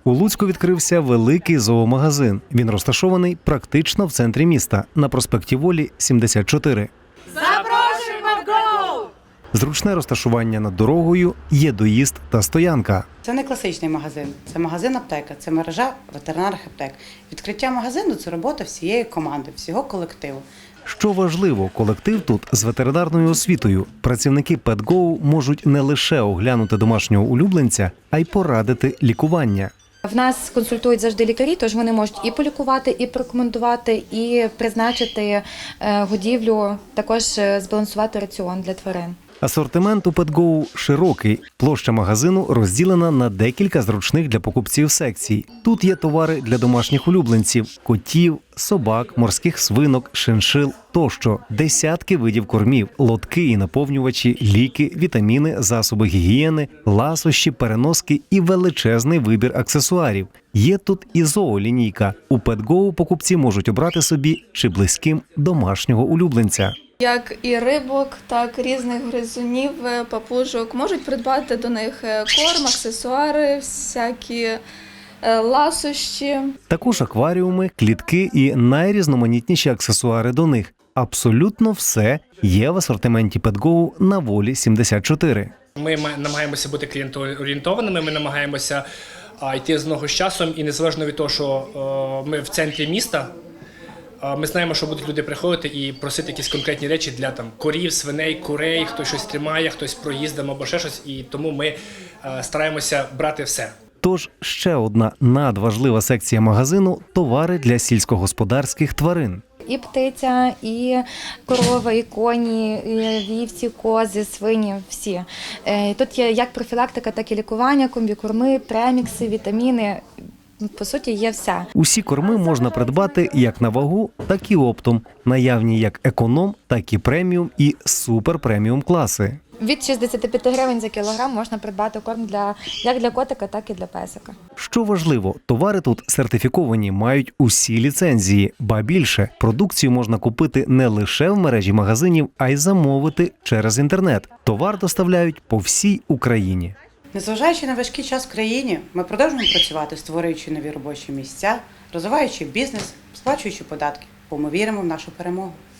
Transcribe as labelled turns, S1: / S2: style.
S1: У Луцьку відкрився великий зоомагазин. Він розташований практично в центрі міста, на проспекті Волі, 74.
S2: Запрошуємо в ГО!
S1: Зручне розташування над дорогою, є доїзд та стоянка.
S3: Це не класичний магазин, це магазин-аптека, це мережа ветеринарних аптек. Відкриття магазину – це робота всієї команди, всього колективу.
S1: Що важливо, колектив тут з ветеринарною освітою. Працівники PetGo можуть не лише оглянути домашнього улюбленця, а й порадити лікування.
S4: В нас консультують завжди лікарі, тож вони можуть і полікувати, і порекомендувати, і призначити годівлю, також збалансувати раціон для тварин.
S1: Асортимент у PetGo широкий. Площа магазину розділена на декілька зручних для покупців секцій. Тут є товари для домашніх улюбленців – котів, собак, морських свинок, шиншил тощо. Десятки видів кормів, лотки і наповнювачі, ліки, вітаміни, засоби гігієни, ласощі, переноски і величезний вибір аксесуарів. Є тут і зоолінійка. У PetGo покупці можуть обрати собі чи близьким домашнього улюбленця.
S5: Як і рибок, так і різних гризунів, папужок. Можуть придбати до них корм, аксесуари, всякі ласощі.
S1: Також акваріуми, клітки і найрізноманітніші аксесуари до них. Абсолютно все є в асортименті PetGo на Волі 74.
S6: Ми намагаємося бути клієнтоорієнтованими, ми намагаємося йти з ногу з часом, і незалежно від того, що ми в центрі міста, ми знаємо, що будуть люди приходити і просити якісь конкретні речі для корів, свиней, курей, хтось щось тримає, хтось проїздом або ще щось, і тому ми стараємося брати все.
S1: Тож ще одна надважлива секція магазину – товари для сільськогосподарських тварин.
S4: І птиця, і корова, і коні, і вівці, кози, свині – всі. Тут є як профілактика, так і лікування, комбікорми, премікси, вітаміни. По суті, є все.
S1: Усі корми можна придбати як на вагу, так і оптом. Наявні як економ, так і преміум і супер-преміум класи.
S4: Від 65 гривень за кілограм можна придбати корм як для котика, так і для песика.
S1: Що важливо, товари тут сертифіковані, мають усі ліцензії. Ба більше, продукцію можна купити не лише в мережі магазинів, а й замовити через інтернет. Товар доставляють по всій Україні.
S3: Незважаючи на важкий час в країні, ми продовжуємо працювати, створюючи нові робочі місця, розвиваючи бізнес, сплачуючи податки, бо ми віримо в нашу перемогу.